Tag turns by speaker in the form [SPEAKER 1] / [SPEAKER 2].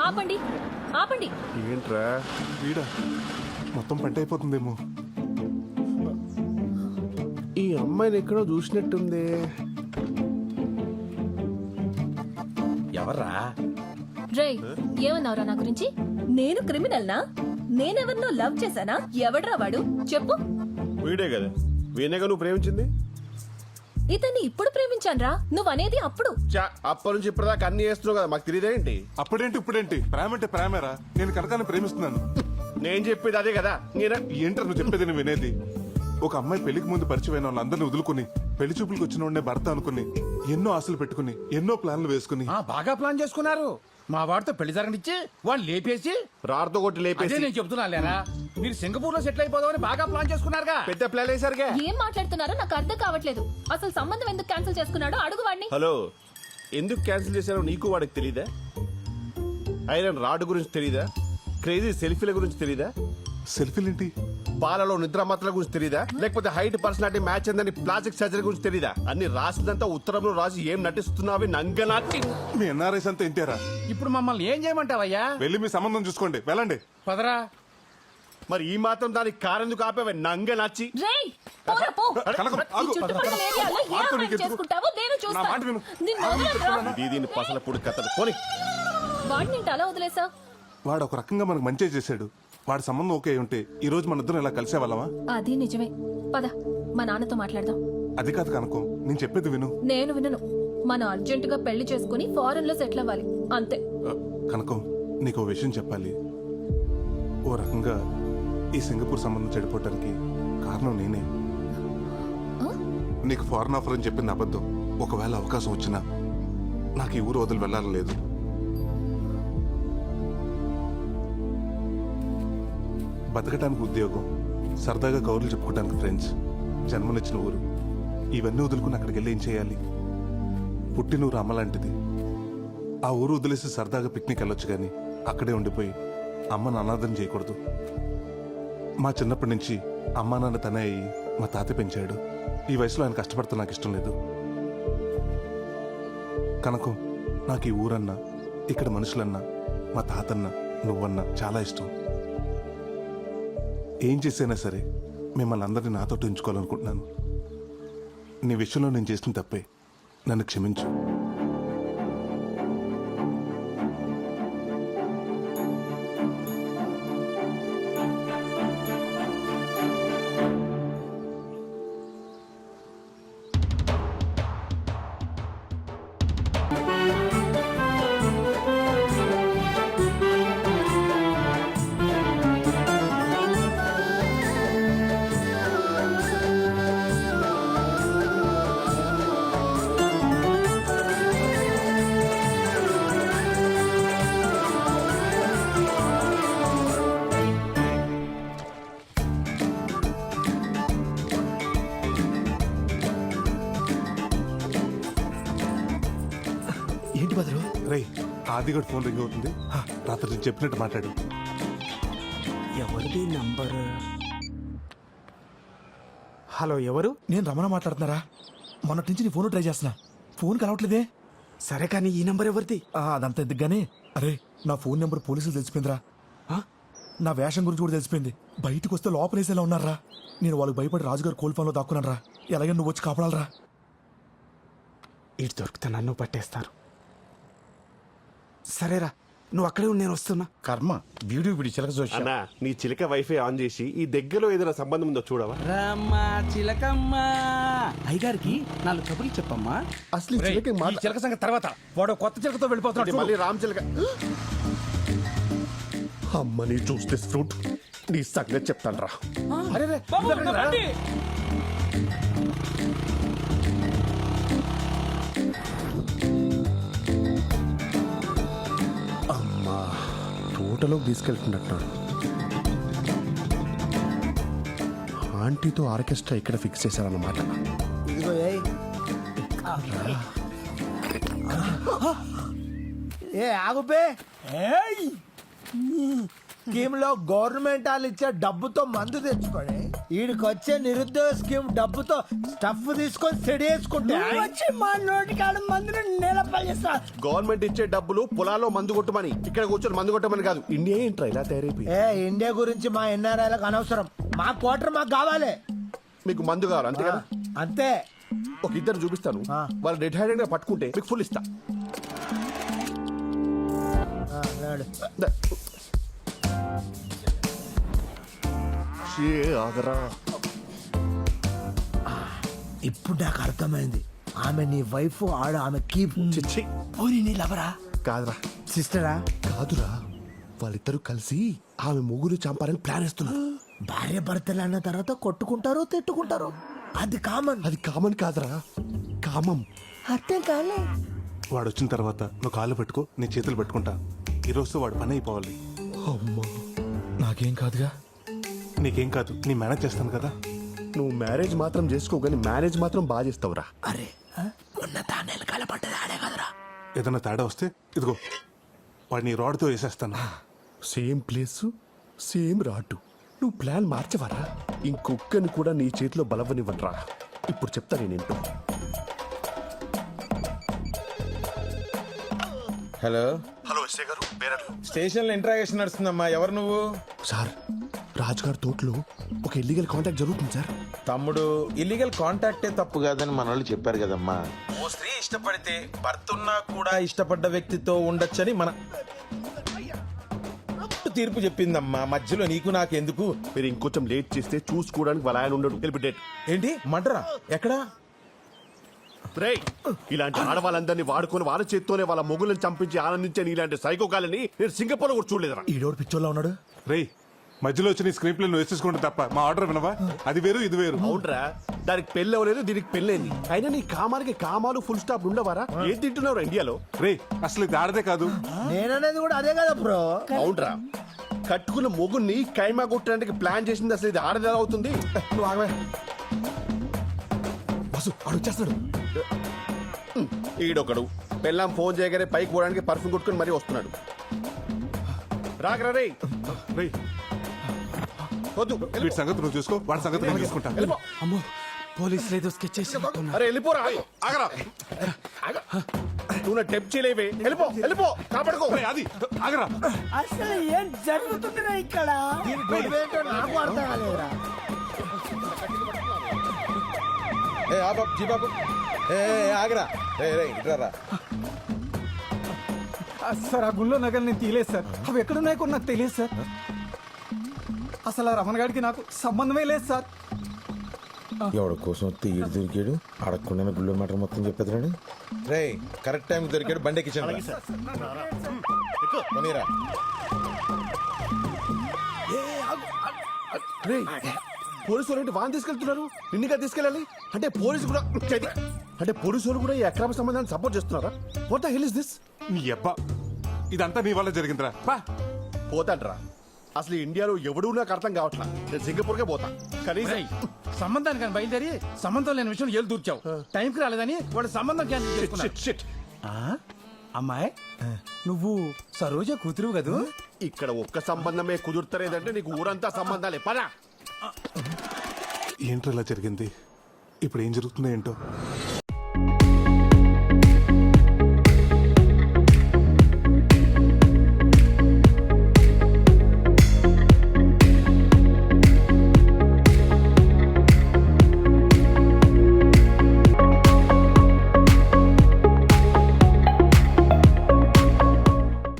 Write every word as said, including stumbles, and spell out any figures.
[SPEAKER 1] ఆపండి ఆపండి.
[SPEAKER 2] ఏంట్రా వీడా మొత్తం పంట అయిపోతుందేమో. ఈ అమ్మాయిని ఎక్కడో చూసినట్టుంది.
[SPEAKER 3] ఎవర్రా?
[SPEAKER 1] రేయ్ ఏమన్నావురా నా గురించి? నేను క్రిమినల్ నా? నేనెవరినో లవ్ చేశానా? ఎవడ్రా వాడు చెప్పు.
[SPEAKER 2] వీడే కదా, వీణేగా నువ్వు ప్రేమించింది.
[SPEAKER 1] ఇతన్ని ఇప్పుడు ప్రేమించాన్రా, నువ్వు అనేది అప్పుడు.
[SPEAKER 2] చా అప్పటి నుంచి ఇప్పటిదాకా అన్ని చేస్తున్నావు కదా, మాకు తెలియదేంటి?
[SPEAKER 4] అప్పుడేంటి ఇప్పుడేంటి? ప్రేమ అంటే ప్రేమేరా. నేను కనకాన్ని ప్రేమిస్తున్నాను.
[SPEAKER 2] నేను చెప్పేది అదే కదా. నేనే
[SPEAKER 4] ఏంటో నువ్వు చెప్పేది నేను వినేది. ఒక అమ్మాయి పెళ్లికి ముందు పరిచయమైన వాళ్ళందరినీ వదులుకుని పెళ్లి చూపులకు వచ్చిన వాడినే భర్త అనుకుని ఎన్నో ఆశలు పెట్టుకుని ఎన్నో ప్లాన్లు వేసుకుని
[SPEAKER 3] ఆ, బాగా ప్లాన్ చేసుకున్నారు. మా వాడితో పెళ్లి జరగనిచ్చి వాళ్ళు లేపేసి
[SPEAKER 2] రాడుతో కొట్టి
[SPEAKER 3] అదే
[SPEAKER 2] లేపేసి
[SPEAKER 3] నేను చెప్తున్నా లేరా, మీరు సింగపూర్ లో సెటిల్ అయిపోదామని బాగా ప్లాన్ చేసుకున్నారుగా.
[SPEAKER 2] పెద్ద ప్లాన్ వేసారుగా.
[SPEAKER 1] ఏం మాట్లాడుతున్నారో నాకు అర్థం కావట్లేదు. అసలు సంబంధం ఎందుకు క్యాన్సిల్ చేసుకున్నాడో అడుగు వాడిని.
[SPEAKER 2] హలో, ఎందుకు క్యాన్సిల్ చేశారో నీకు వాడికి తెలీదా? ఐరన్ రాడ్ గురించి తెలీదా? క్రేజీ సెల్ఫీల గురించి తెలీదా?
[SPEAKER 4] సెల్ఫీలేంటి?
[SPEAKER 2] పాలలో నిద్ర మాత్రల గురించి తెలీదా? లేకపోతే హైట్ పర్సనాలిటీ మ్యాచ్ అందని ప్లాస్టిక్ సర్జరీ గురించి తెలీదా? అన్ని రాసిందంతా ఉత్తరంలో రాసి ఏం నటిస్తున్నావి నంగనాటి.
[SPEAKER 4] మీ ఎన్ఆర్ఐస్ అంతా ఇంటారా?
[SPEAKER 3] ఇప్పుడు మమ్మల్ని ఏం చేయమంటావయ్యా?
[SPEAKER 4] వెళ్ళి మీ సంబంధం చూసుకోండి, వెళ్ళండి.
[SPEAKER 3] పదరా.
[SPEAKER 2] మరి ఈ మాత్రం దానికి కారెందుకు ఆపేవే నంగ నచ్చి?
[SPEAKER 1] రేయ్ పోరా పో.
[SPEAKER 4] కనకం,
[SPEAKER 1] ఈ
[SPEAKER 4] ఆగు.
[SPEAKER 1] చుట్టుపక్కల ఏరియాలో ఏ
[SPEAKER 4] ఆగు,
[SPEAKER 1] అమ్మాయిని
[SPEAKER 4] నీకెందుకు?
[SPEAKER 1] చేసుకుంటావో నేను
[SPEAKER 4] నా మాట
[SPEAKER 1] చూస్తాను.
[SPEAKER 4] విను.
[SPEAKER 1] నిన్ను వదలనురా.
[SPEAKER 2] దీదీని పసల పొడి కథలు పోని.
[SPEAKER 1] వాడిని ఏంటి అలా వదిలేసావు?
[SPEAKER 4] వాడు ఒక రకంగా మనకు మంచి చేశాడు. వాడి సంబంధం ఓకే అయి ఉంటే ఈ రోజు మన ఇద్దరం ఇలా కలిసే వాళ్ళమా?
[SPEAKER 1] అది నిజమే. పద మా నాన్నతో మాట్లాడదాం.
[SPEAKER 4] అది కాదు కనకం, నేను చెప్పేది విను.
[SPEAKER 1] నేను వినను. మనం అర్జెంటుగా పెళ్లి చేసుకుని ఫారెన్ లో సెటిల్ అవ్వాలి అంతే.
[SPEAKER 4] ఆ, కనకం, నీకు ఓ విషయం చెప్పాలి. ఓ రకంగా ఈ సింగపూర్ సంబంధం చెడిపోవటానికి కారణం నేనే.
[SPEAKER 1] ఆ?
[SPEAKER 4] నీకు ఫారెన్ ఆఫర్ అని చెప్పింది అబద్ధం. ఒకవేళ అవకాశం వచ్చినా నాకు ఈ ఊరు వదిలి వెళ్ళాలని లేదు. బతకటానికి ఉద్యోగం, సరదాగా కౌరులు చెప్పుకోవడానికి ఫ్రెండ్స్, జన్మనిచ్చిన ఊరు, ఇవన్నీ వదులుకుని అక్కడికి వెళ్ళి ఏం చేయాలి? పుట్టినూరు అమ్మ లాంటిది. ఆ ఊరు వదిలేసి సరదాగా పిక్నిక్ వెళ్ళొచ్చు కానీ అక్కడే ఉండిపోయి అమ్మను అనాథం చేయకూడదు. మా చిన్నప్పటి నుంచి అమ్మా నాన్న తనే అయ్యి మా తాత పెంచాడు. ఈ వయసులో ఆయన కష్టపడితే నాకు ఇష్టం లేదు. కనుక నాకు ఈ ఊరన్నా, ఇక్కడ మనుషులన్నా, మా తాతన్నా, నువ్వన్నా చాలా ఇష్టం. ఏం చేసైనా సరే మిమ్మల్ని అందరినీ నాతో ఉంచుకోవాలనుకుంటున్నాను. నీ విషయంలో నేను చేసిన తప్పే, నన్ను క్షమించు.
[SPEAKER 5] ఏంటి బదులు?
[SPEAKER 4] రేయ్, ఆదిగడ్ ఫోన్ రింగ్ అవుతుంది. హా, రాత్రి నేను చెప్పినట్టు మాట్లాడు.
[SPEAKER 5] ఎవరిది నంబర్? హలో, ఎవరు? నేను రమణ మాట్లాడుతున్నారా? మొన్నటి నుంచి నీ ఫోన్ ట్రై చేస్తున్నా, ఫోన్ కలవట్లేదే. సరే కానీ ఈ నంబర్ ఎవరిది? ఆ, అదంతా ఎందుకుగానే. అరే, నా ఫోన్ నెంబర్ పోలీసులు తెలిసిపోయిందిరా. ఆ? నా వేషం గురించి కూడా తెలిసిపోయింది. బయటకు వస్తే లోపలేసేలా ఉన్నారా. నేను వాళ్ళకి భయపడి రాజుగారు కోల్ఫోన్లో దాక్కున్నాను రా. ఎలాగైనా నువ్వు వచ్చి కాపాడాలరా. ఇటు దొరికితే నన్ను పట్టేస్తారు. సరేరా, నువ్వు అక్కడే ఉండి నేను వస్తున్నా.
[SPEAKER 3] కర్మ, వీడియో వీడి చిలక చూసి
[SPEAKER 2] అన్నా, నీ చిలక వైఫై ఆన్ చేసి ఈ దగ్గరలో ఏదైనా సంబంధం ఉందో చూడవా?
[SPEAKER 6] రమ్మా చిలకమ్మ, అయ్యగారికి నాలుగు కబుర్లు చెప్పమ్మా.
[SPEAKER 2] అసలు ఈ చిలక
[SPEAKER 3] ఈ చిలక సంగతి తర్వాత. వాడు కొత్త చిలకతో వెళ్ళిపోతున్నాడు.
[SPEAKER 2] మళ్ళీ రామ్ చిలక. అమ్మని చూస్తే ఫ్రూట్ నీ సంగతి చెప్తాను రా.
[SPEAKER 3] అరే రే,
[SPEAKER 6] బాబు,
[SPEAKER 3] ఇద్దరు రా.
[SPEAKER 6] రండి.
[SPEAKER 2] అమ్మా, తోటలోకి తీసుకెళ్తున్నట్టున్నాడు. ఆంటీతో ఆర్కెస్ట్రా ఇక్కడ ఫిక్స్ చేశారన్నమాట.
[SPEAKER 5] ఏ ఆగుపే.
[SPEAKER 7] స్కీమ్ లో గవర్నమెంట్ వాళ్ళు ఇచ్చే డబ్బుతో మందు తెచ్చుకొని వీడికి వచ్చే నిరుద్యోగ స్కీమ్ డబ్బుతో స్టఫ్ తీసుకొని సెడి వేసుకుంటే వచ్చి మా నోటి కాడ మందుని నిలపలిస్తా.
[SPEAKER 2] గవర్నమెంట్ ఇచ్చే డబ్బులు పొలాల్లో మందు కొట్టమని, ఇక్కడ కూర్చొని మందు కొట్టమని కాదు. ఇండియా ఏంట్రా ఇలా తయారైపోయి?
[SPEAKER 7] ఏ ఇండియా గురించి మా ఎన్ఆర్ఐలకు అనవసరం. మా క్వార్టర్ మాకు కావాలి
[SPEAKER 2] మీకు మందు కావాలి అంతే కదా?
[SPEAKER 7] అంతే.
[SPEAKER 2] ఒక ఇద్దరు చూపిస్తాను, వాళ్ళు డెడ్ హ్యాండెడ్ గా పట్టుకుంటే మీకు ఫుల్ ఇస్తా.
[SPEAKER 7] ఆ, నాడు.
[SPEAKER 2] ద- షే, ఆగరా.
[SPEAKER 7] ఇప్పుడు నాకు అర్థమైంది. ఆమె నీ వైఫ్, ఆడ ఆమె కీప్.
[SPEAKER 2] చిచ్చి
[SPEAKER 7] ఓరి నీ లవరా
[SPEAKER 2] కాదురా,
[SPEAKER 7] సిస్టరా?
[SPEAKER 2] కాదురా, వాళ్ళిద్దరూ కలిసి ఆమె ముగ్గురు చంపాలని ప్లాన్ వేస్తున్నారు.
[SPEAKER 7] భార్య భర్తలు అన్న తర్వాత కొట్టుకుంటారు, తిట్టుకుంటారు. అది కామన్.
[SPEAKER 2] అది కామన్ కాదురా, కామం.
[SPEAKER 7] అర్థం కాలే.
[SPEAKER 4] వాడు వచ్చిన తర్వాత నువ్వు కాళ్ళు పెట్టుకో, నీ చేతులు పెట్టుకుంటా. ఈ రోజుతో వాడు పని అయిపోవాలి.
[SPEAKER 5] అమ్మా నాకేం కాదుగా.
[SPEAKER 4] నీకేం కాదు, నీ మేనేజ్ చేస్తాను కదా.
[SPEAKER 2] నువ్వు మ్యారేజ్ మాత్రం చేసుకో, కానీ మేనేజ్ మాత్రం బాగా చేస్తావురా.
[SPEAKER 7] అరే మొన్న తానేలు కలపడ్డది ఆడే కదరా.
[SPEAKER 4] ఏదైనా తేడా వస్తే ఇదిగో వాడిని రాడ్తో వేసేస్తాను.
[SPEAKER 2] Same place same route. నువ్వు ప్లాన్ మార్చవరా? ఇంకొక్కని కూడా నీ చేతిలో బలవనివ్వనరా. ఇప్పుడు చెప్తా నేనేంటో.
[SPEAKER 8] హలో
[SPEAKER 2] హలో ఎస్ఐ గారు, బేరర్లు.
[SPEAKER 8] స్టేషన్ లో ఇంట్రాగేషన్ నడుస్తుందమ్మా. ఎవరు నువ్వు?
[SPEAKER 2] సార్, రాజు గారి తోటలో ఒక ఇల్లీగల్ కాంటాక్ట్ జరుగుతుంది సార్.
[SPEAKER 8] తమ్ముడు, ఇల్లీగల్ కాంటాక్టే తప్పు కాదని మన వాళ్ళు చెప్పారు కదమ్మా. ఓ స్త్రీ ఇష్టపడితే భర్త ఉన్నా కూడా ఇష్టపడ్డ వ్యక్తితో ఉండొచ్చని మన తీర్పు చెప్పిందమ్మా. మధ్యలో నీకు నాకెందుకు?
[SPEAKER 2] మీరు ఇంకొంచెం లేట్ చేస్తే చూసుకోవడానికి వాళ్ళ ఆయన ఉండడు. వెళ్ళి డేట్.
[SPEAKER 8] ఏంటి మడ్రా? ఎక్కడా?
[SPEAKER 2] రేయ్, ఇలాంటి ఆడవాళ్ళందరినీ వాడుకొని వాళ్ళ చేత్తోనే వాళ్ళ మొగులను చంపించి ఆనందించే ఇలాంటి సైకోకాలని నేను సింగపూర్ కూడా చూడలేదురా.
[SPEAKER 5] ఈడోడు పిచ్చోళ్ళ ఉన్నాడు.
[SPEAKER 4] రేయ్, మధ్యలో వచ్చి నీ స్క్రీన్ ప్లే నువ్వు వేసేసుకుంటే తప్ప మా ఆర్డర్ వినవా? అది వేరు, ఇది వేరు.
[SPEAKER 2] అవునరా, దానికి పెళ్ళి అవ్వలేదు, దీనికి పెళ్ళైంది. అయినా నీ కామానికి కామాలు ఫుల్ స్టాప్ ఉండవారా? ఏం తింటున్నావు ఇండియాలో?
[SPEAKER 4] రే, అసలు ఇది ఆడదే కాదు.
[SPEAKER 7] నేననేది కూడా అదే కదా బ్రో.
[SPEAKER 2] అవునరా, కట్టుకున్న మొగుని కైమా కొట్టడానికి ప్లాన్ చేసింది అసలు ఇది ఆడది ఎలా అవుతుంది?
[SPEAKER 5] నువ్వు ఆగవే. బస్సు ఆడు వచ్చేస్తాడు.
[SPEAKER 2] ఈడొకడు పెళ్ళాం ఫోన్ చేయగానే పైకి పోవడానికి పర్ఫ్యూమ్ కొట్టుకుని మరీ వస్తున్నాడు. రాకరా రే.
[SPEAKER 4] రేయ్,
[SPEAKER 2] వద్దు,
[SPEAKER 4] వీటి సంగతి నువ్వు చూసుకో, వాడి సంగతి నేను చూసుకుంటా.
[SPEAKER 2] వెళ్ళిపో.
[SPEAKER 3] అమ్మో పోలీసులు ఏదో స్కెచ్ చేసి
[SPEAKER 2] అరే వెళ్ళిపోరా. ఆగరా. ఆగ. నువ్వు నా టెప్ చేయలేవే. వెళ్ళిపో, వెళ్ళిపో, కాపాడుకో.
[SPEAKER 4] రేయ్, అది ఆగరా.
[SPEAKER 7] అసలు ఏం జరుగుతుందిరా ఇక్కడ? దీని గొడవ ఏంటో నాకు అర్థం కాలేదురా.
[SPEAKER 8] ఏ ఆ బాబు, జీ బాబు, ఏ ఏ, ఆగరా. రే రే ఇట్రారా.
[SPEAKER 3] సార్ ఆ గుళ్ళో నగలు నేను తీయలేదు సార్. అవి ఎక్కడున్నాయో కూడా నాకు తెలియదు సార్. అసలు ఆ రమణ గారికి నాకు సంబంధమే లేదు సార్.
[SPEAKER 8] ఎవడి కోసం తీయడు దొరికాడు, అడగకుండా గుళ్ళో మాట మొత్తం చెప్పేదిరాడు. రే కరెక్ట్ టైం దొరికాడు, బండి ఎక్కించండి. పోనీరా.
[SPEAKER 2] రేయ్, పోలీసు వాళ్ళు వాన్ తీసుకెళ్తున్నారు, నిన్నుగా తీసుకెళ్ళాలి అంటే పోలీసు కూడా చేతి- అంటే పోలీసు వాళ్ళు కూడా ఈ అక్రమ సంబంధాన్ని సపోర్ట్ చేస్తున్నారా? What the hell is this?
[SPEAKER 4] నీ అబ్బా, ఇదంతా నీ వల్ల జరిగిందిరా. బా
[SPEAKER 2] పోతాడ్రా. అసలు ఇండియాలో ఎవడూ నాకు అర్థం కావట్లా. నేను సింగపూర్కే పోతా. కనీసం
[SPEAKER 3] రేయ్, సంబంధానికి కానీ బయలుదేరి సంబంధం లేని విషయం ఏళ్ళు దూర్చావు. టైంకి రాలేదని వాడు సంబంధం క్యాన్సిల్
[SPEAKER 2] Shit,
[SPEAKER 3] చేసుకున్నాడు.
[SPEAKER 2] shit, shit.
[SPEAKER 3] ఆ? అమ్మాయి నువ్వు సరోజ కూతురు కదూ?
[SPEAKER 2] ఇక్కడ ఒక్క సంబంధమే కుదురుతలేదంటే నీకు ఊరంతా సంబంధాలే. పదా.
[SPEAKER 4] ఏంటో ఇలా జరిగింది? ఇప్పుడు ఏం జరుగుతుందో ఏంటో.